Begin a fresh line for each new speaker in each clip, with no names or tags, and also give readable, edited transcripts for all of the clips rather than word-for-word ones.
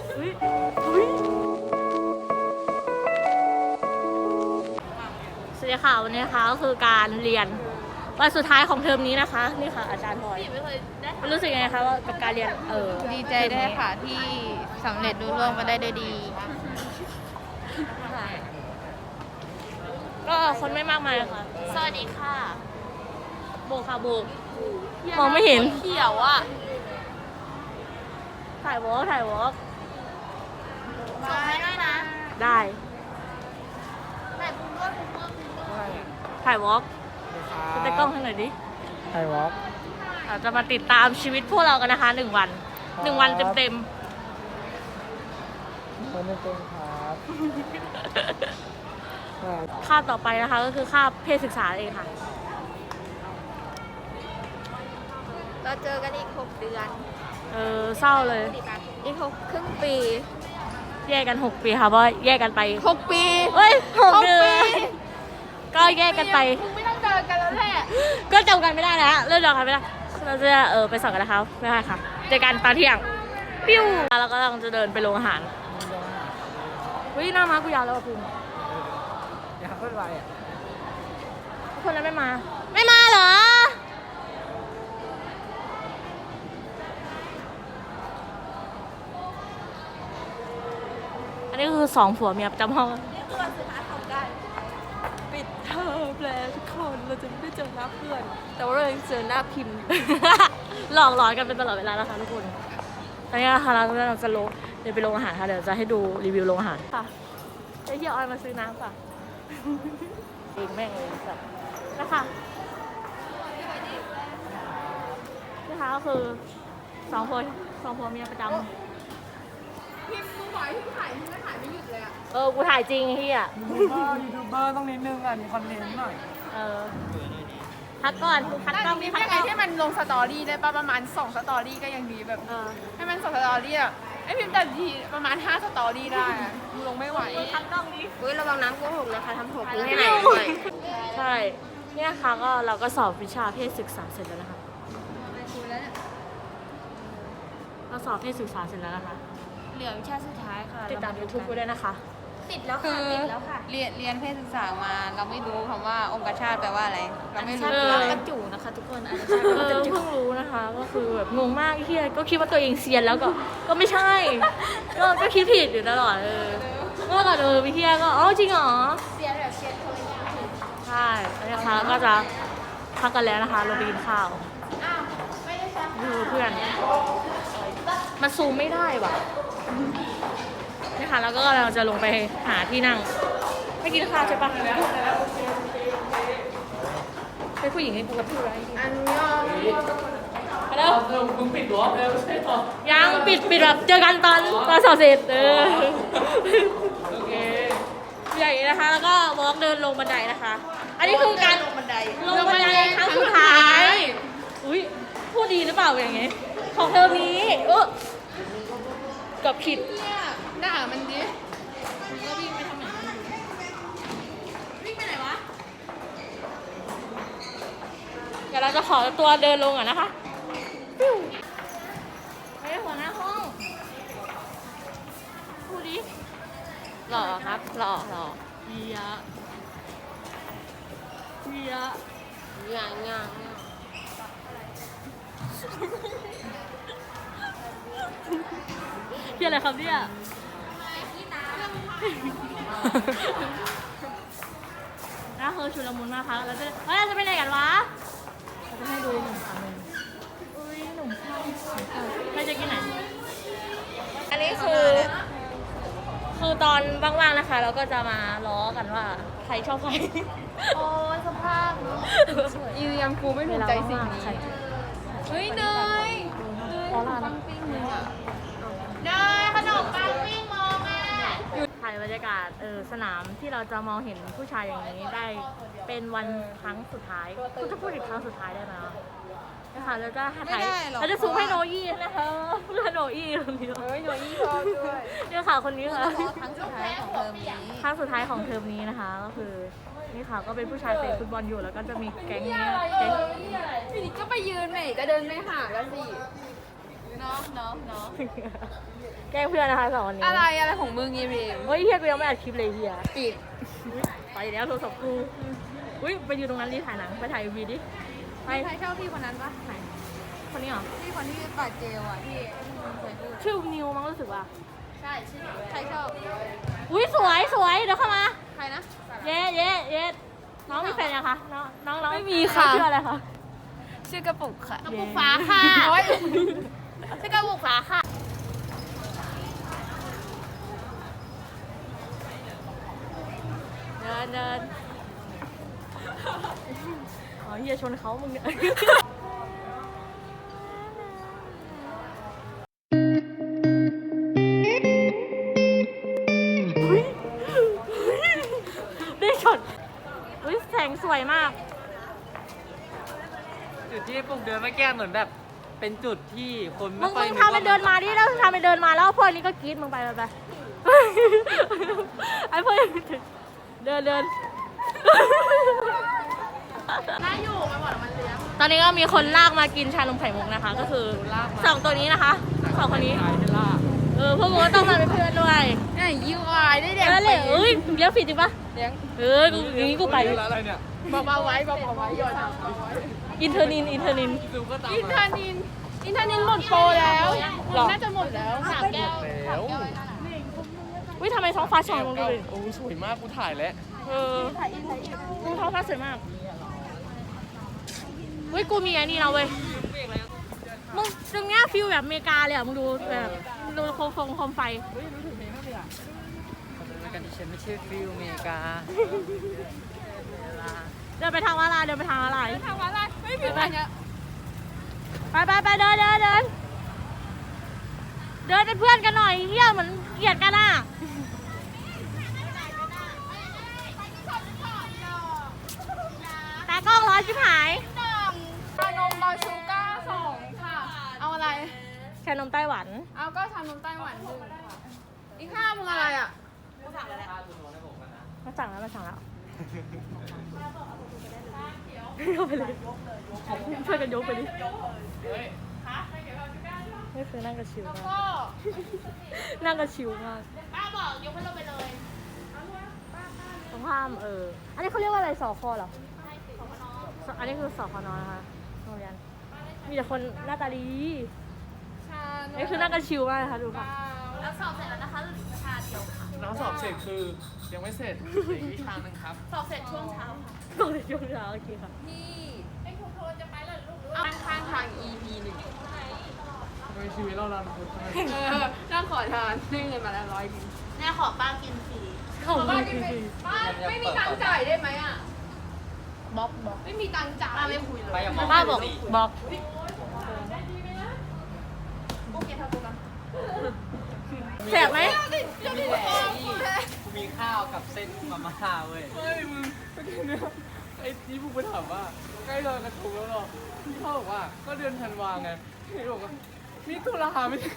อุ๊ยอุ๊ยสวัสดีค่ะวันนี้นะคะก็คือการเรียนวันสุดท้ายของเทอมนี้นะคะนี่ค่ะอาจารย์พลอยรู้สึกยังไงคะว่ากับการเรียน
ดีใจด้วยค่ะที่สำเร็จรุ่ร่วงมาได้ด้วยดี
ก็คนไม่มากมายค่ะสวัสดีค่ะโบกค่ะโบกมองไม่เห็นเขียวอ่ะถ่ายวอล์ก
มาให้ด้วยนะ
ได้
แต่คุณด้วย
ถ่ายวอล์กจะกล้องให้หน่อยดิ
ไทยวอล์ก
เราจะมาติดตามชีวิตพวกเรากันนะคะ1 วัน1 วันเต็ม
คนไม่เป็นครับ
ๆคาบต่อไปนะคะก็คือคาบเพศศึกษาเองค่ะ
เราเจอกันอีก6 เดือน
เศร้าเลย
อีก6 ครึ่งปี
แยกกัน6 ปีค่ะเพราะแยกกันไป
6 ปี
เฮ้ย6 เดือนก็แยกกันไป
มึงไม่ต้องเดินกันแล้วแหละ
ก็จำกันไม่ได้แล้วเริ่มจำกันไม่ได้เราจะไปสอนกันนะคะไม่ได้ค่ะเจอกันตอนเที่ยงปิ้วแล้วก็กำลังจะเดินไปโรงอาหารวิหน้าม้ากูยาวแล้วอ่ะภูมิ
อยากขึ้นไปอ่ะ
คนนั้นไม่มาเหรออันนี้คือ2 ผัวเมียประจำห้อง
นี่คือวันสุดท้ายของการปิดเทอมแล้วทุกคนเราจะไม่ได้เจอหน้าเพื่อน แต่ว่าเรายังเจอหน้าพิมพ์
หลอกหลอนกันเป็นตลอดเวลาแล้วค่ะทุกคนตอนนี้นะคะเราจะเดินไปโรงอาหารค่ะเดี๋ยวจะให้ดูรีวิวโรงอาหารค่ะไอ้เหี้ยออยมาซื้อน้ำค่ะเองแม่งเลยสัตว์นะคะนะคะก็คือ2 ผัวเมียประจำ
พิมพ์มึงบอกให้พิมพ์ถ่ายพิมพ์ก็ถ่ายไม่หยุดเลยอะ
กูถ่ายจริงไอ้เหี้ย
ยูทูบเบอร์ต้องนิดนึงอ่ะมีคอนเทนต์หน่อย
พักก่อนพักกล้อง
นี่
พัก
ยัง
ก
ไง
ล้อง
ให้มันลงสตอรี่ได้ป่ะประมาณ2 สตอรี่ก็ยังดีแบบ ให้มัน2 สตอรี่อะไอพิมพ์แต่ทีประมาณ5 สตอรี่ได้อะมึงลงไม่ไหว
พักกล้องดิ
อุ้ยระวังน้ำโกหกนะคะทำหกนี่
ให้
ให้
ไห
ไห
น
น
ด้วยใช่เนี่ยค่ะก็เราก็สอบวิชาเพศศึกษาเสร็จแล้วนะคะเราสอบเพศศึกษาเสร็จแล้วนะคะ
เหลือวิชาสุดท้ายค่ะ
ติดตาม YouTube กูด้วยนะคะ
ติดแล้วค่ะติดแล้วค่ะเรียนเพศศึกษามาเราไม่รู้คำว่าองคชาตแปลว่าอะไรเราไม่รู้
กระจูนะคะทุกคนเพิ่งรู้นะคะก็คือแบบงงมากไอ้เฮียก็คิดว่าตัวเองเซียนแล้วก็ไม่ใช่ ก็คิดผิดอยู่ตลอดเมื่อก่อนพี่เฮียก็อ๋อจริงเหรอ
เซียนแบบเซียนคนละอย่าง
ใช่แล้วนะคะก็จะพักกันแล้วนะคะลงไปกินข้าว
อ้าวไม่ได้ใช่
ดูเพื่อนมันซูมไม่ได้ว่ะนี่ค่ะแล้วก็เราจะลงไปหาที่นั่งไม่กินข้าวใช่ปะเป็นผู้หญิงให้กูกับผู้ร้าย
อันยอง
ไปแล้วมึงปิดหรอใช่ต่อยังปิดแบบเจอกันตอนสอบเสร็จโอเคใหญ่นะคะแล้วก็วอล์กเดินลงบันไดนะคะ อันนี้คือการลงบันไดครั้งสุดท้ายอุ้ยพูดดีหรือเปล่าอย่างเงี้ยของเทอมนี้กับผิด
เนี่ยด่ามันดิ
ก็วิ่งไปทางไหนวิ่งไปไหนวะเดี๋ยวเราจะขอตัวเดินลงก่อนนะคะปิ้วไปหัวหน้าห้องพูดดิหล่อครับหล่อเฮีย
ย่าง
เฮียอะไรครับเนี่ยน่าคือชุลมุนมากค่ะเราจะไปไหนกันวะเราจะให้ดูหนุ่มค่ะอุ้ยหนุ่มข้าวใครจะกินไหนอันนี้คือตอนว่างๆนะคะ เราก็จะมาล้อกันว่าใครชอบใคร
โอ้สภาพอีเรียมกูไม่ถูกใจสิ่งนี้เฮ้ยเนย
ออร่า
ปังปิ้งมึงอ่ะเนยขนมปังปิ้งมองอ่ะ
ถ่ายบรรยากาศสนามที่เราจะมองเห็นผู้ชายอย่างนี้ได้เป็นวันครั้งสุดท้ายคุณจะพูดอีกครั้งสุดท้ายได้ไหมนะคะแล้วก็ถ่ายเราจะซูมให้โนอี้นะคะเพื่อนโนอี้คนนี้
เฮ้ยโนยี่ชอบด้วย
เนี่ยค่ะคนนี้ค่ะ
ครั้งสุดท้ายของเทอมนี้
ครั้งสุดท้ายของเทอมนี้นะคะ ก็คือนี่ค่ะก็เป็นผู้ชายเตะฟุตบอลอยู่แล้วก็จะมีแก๊งนี้แก๊ง
ทีนี้ก็ไปยืนไหนจะเดินไม่หาแล้วสิเนาะเนาะเนาะ
แกล้งเพื่อนนะคะ2 คนนี้
อะไรของมึงอีพิม
เฮ้ยเฮียกูยังไม่อัดคลิปเลยเฮีย
ปิด
ไปแล้วโทรศัพท์กูอุ้ยไปอยู่ตรงนั้นรีถ่ายหนังไปถ่ายวีดิไป
ใครชอบพี่คนนั้นปะไหน
คนนี้เหรอ
พี่คนที่ปาดเจลอ่ะที่เคยพูด
ชื่อนิวมั้งรู้สึกว่า
ใช่ชื่อใครชอบ
อุ้ยสวยเดี๋ยวเข้ามา
ใครนะ
เย้น้องมีแฟนยังคะน้อง
ไม่มีค่ะ
ชื่ออะไรคะ
ชื่อกระปุกค่ะ
กระปุกฟ้าค่ะ
โอ๊ยชื่อกระปุกฟ้าค่ะ
เดินอ๋อเฮียชนเขามึงเนี่ยได้ช็อตอุ้ยแสงสวยมาก
จุดที่พวกเดินเมื่อกี้เหมือนแบบเป็นจุดที่คน
มึ
ไม่
ง
ค่อย
ทำเป็นเดินมาดิแล้วทำเป็นเดินมาแล้วพวกนี้ก็กรี๊ดมึงไปไอ้พวกเดินน่าอยู่ไปหมดมันเลี้ยงตอนนี้ก็มีคนลากมากินชานมไข่มุกนะคะ ก็คือ2 ตัวนี้นะคะ2 คนนี้พวกมึงก็ต้องมาเป็นเพื่อนด้วย
นี่ยูวายได้เด็ก
แล้วเลยเอ้ยเลี้ยงผิดจริงปะ
เลี้ยง
กูอย่างนี้กูไป
อะไรเนี่ย
เบาๆไว้หย่อน
อินเทอร์นิน
ดูก็ตาม
อินเทอร์นินหมดโปรแล้ว
หรอ
น่าจะหมดแล้ว3 แก้ว
แล้ว
อุ้ยทำไมท้องฟ้าช่องลงดูดิ
โอ้สวยมากกูถ่ายแล้ว
ท้องฟ้าสวยมากเฮ้ยกูมีไอ้นี่นะเว้ยมึงตรงเนี้ยฟิลแบบอเมริกาเลยอ่ะมึงดูแบบดูโคมไฟ
ในการที่ฉันไม่ใช่ฟิลอเมริกา
เดินไปทางอะไรเดินไปทางอะไร
ทำอะไรไม่ผิดอะไรเนี่ย
ไปเดินเป็นเพื่อนกันหน่อยเฮียเหมือนเกลียดกันอ่ะตากล้องร้อนชิบหาย
ชานมบาชูก้า2ค่ะ เอาอะไร
ชานมไต้หวัน
เอาก็ชานมไต้หวัน1ค่ะอีก5มึงอะไรอ่ะ
มาสั่งแล้วเอาไปเลยช่วยกันยกไปดินี่คือนั่งกระชิวมาก
ก็
นั่งกระชิวมาก
ป้าบอกยกให้เราไปเลย
ตรงข้ามอันนี้เขาเรียกว่าอะไรสคเหรออันนี้คือสคนนะคะโรงเรียนมีแต่คนหน้าตาดี
ชานม
นี่คือนั่งกันชิวมากนะคะดูค่ะ
แล้วสอบเสร็จแล้วนะคะหรือชาเดียวค่ะ
น้องสอบเสร็จคือยังไม่เสร็จอีกวิชาหนึงครับ
สอบเสร็จช่วงเช้าค่ะ
ตอนช่วงเช้าโอเคค่ะ
ที่ไอ้ครูโทรจะไปแล้วลูกข้างทาง EP 1
ทำไมชีวิตเราลันทุกข์
นั่งขอทานได้เงินมาแล้ว100
แม่ขอป้ากินฟรี
ของ
ป้า
ดี
กินไปป้าไม่มีตังค์จ่ายได้ไหมอ่ะบล็อกไม่มีตังค์จ่าย
ป้าไม่คุยเลย
ป้าบอก
โอเคทำตัวกัน
แสบไหม
กูมีข้าวกับเส้นมาม่าเว้ยเฮ้ยมึงเมื่อกี้เนี่ยไอ้ที่พวกไปถามว่าใกล้ลอยกระทงแล้วหรอพี่เขาบอกว่าก็เดือนธันวาไงพี่บอกว่านี่ตุลาไม่ใช่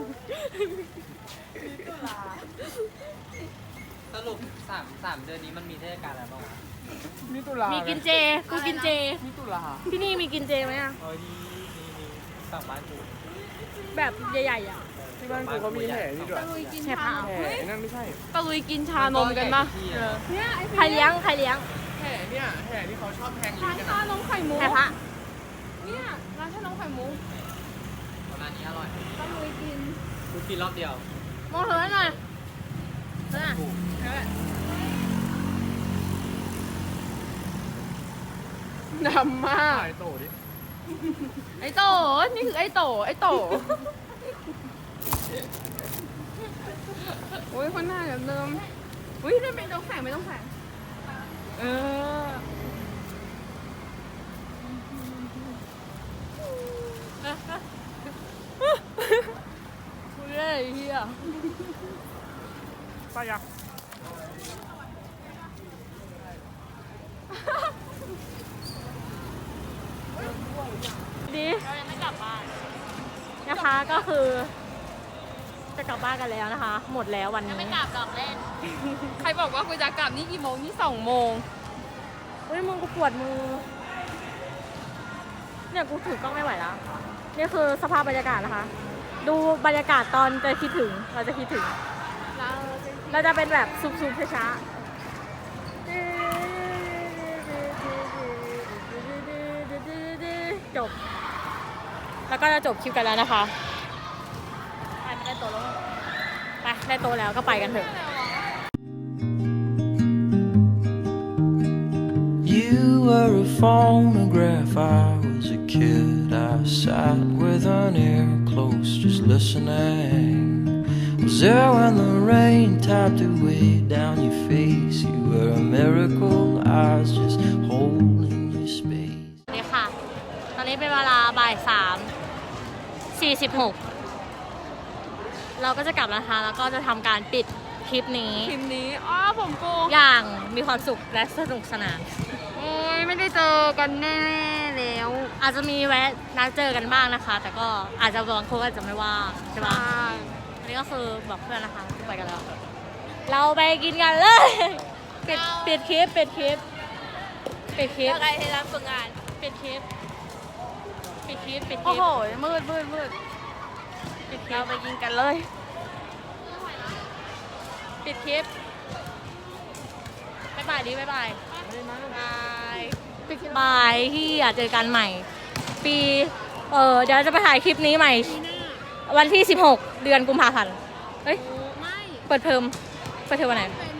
นี่ตุลา
สรุป3 เดือนนี้มันมีเทศกาลอะไรบ้างวะ
นี่ตุลา
มี
มี
กินเจกูกินเจ
นี่ตุลา
ที่นี่มีกินเจไหมอ่ะ
เออนี่ฝั่งบ้านกู
แบบใหญ่ๆอ่ะ
ที่บ้านกูเขามีแห่นี่ด้วย
ตะลุยกิน
แฉะ
ชา
ผ้า
แห่ไอ้นั่นไม่ใช่
ตะลุยกินชานมกันปะ
เนี่ย
ใครเลี้ยง
แห่เนี่ยแห่ที่เขาชอบแทงลิ้
ร้าน น
กัน
ชานมไข่มุก
แฉะผ้า
เนี่ยร้านชานมไข่มุก
ประมาณนี้อร่อย
ตะลุยกิน
กูกินรอบเดียว
มองเธอหน่อยเธอ
ดำมาก
ถ่ายโตดิ
ไอ้โตนี่คือไอ้โตโอ้ยคนหน้าแบบเดิมอุ้ยนั่นเป็นต้องแข่งไม่ต้องแข่ง
เออ
คุยได้เฮียไปยังดีเรายังไม่กลับบ้านนะคะก็คือจะกลับบ้านกันแล้วนะคะ หมดแล้ววันนี้
ไม่กลับดอกเล่น
ใครบอกว่ากูจะกลับนี่กี่โมงนี่2 โมง
เฮ้ยมึงกูปวดมือเนี่ยกูถือกล้องไม่ไหวแล้วนี่คือสภาพบรรยากาศนะคะดูบรรยากาศตอนจะคิดถึง เราจะคิดถึง เราจะเป็นแบบซุบๆช้าๆจบ แล้วก็จะจบคลิปกันแล้วนะคะ ไปได้โตแล้ว ไปได้โตแล้วก็ไปกันเถอะ
You were a phonograph, I was a kid. I sat with an ear close, just listening. Was there when the rain tapped away down your face? You were a miracle, I was just holding your space.
สวัสดีค่ะ ตอนนี้เป็นเวลาบ่าย3:46 เราก็จะกลับแล้วนะคะ แล้วก็จะทำการปิดคลิปนี้
คลิปนี้อ๋อผมโกง
อย่างมีความสุขและสนุกสนาน
โอ้ยไม่ได้เจอกันแน่ๆแล้ว
อาจจะมีแวะนัดเจอกันบ้างนะคะ แต่ก็อาจจะบางคนอาจจะไม่ว่างใช่ปะอันนี้ก็คือบอกเพื่อนนะคะไปกันแล้ว เราไปกินกันเลย ปิดคลิปปิดคลิปปิดคลิป
อะไรให้รับฝึกงาน
ปิดคลิปปิดคลิปปิดค
โอ้
ลิป
โหมืด
ปิดคลิ
เรา
ป
ไปกินกันเลย
ปิดคลิปบ๊ายบายดิบ๊ายบายบายบายที่อยากเจอกันใหม่ ปีเดี๋ยวจะไปถ่ายคลิปนี้ใหม่ วันที่ 16 เดือนกุมภาพันธ์ เฮ้ย
ไม่
เปิดเทอมวันไหน
เป็น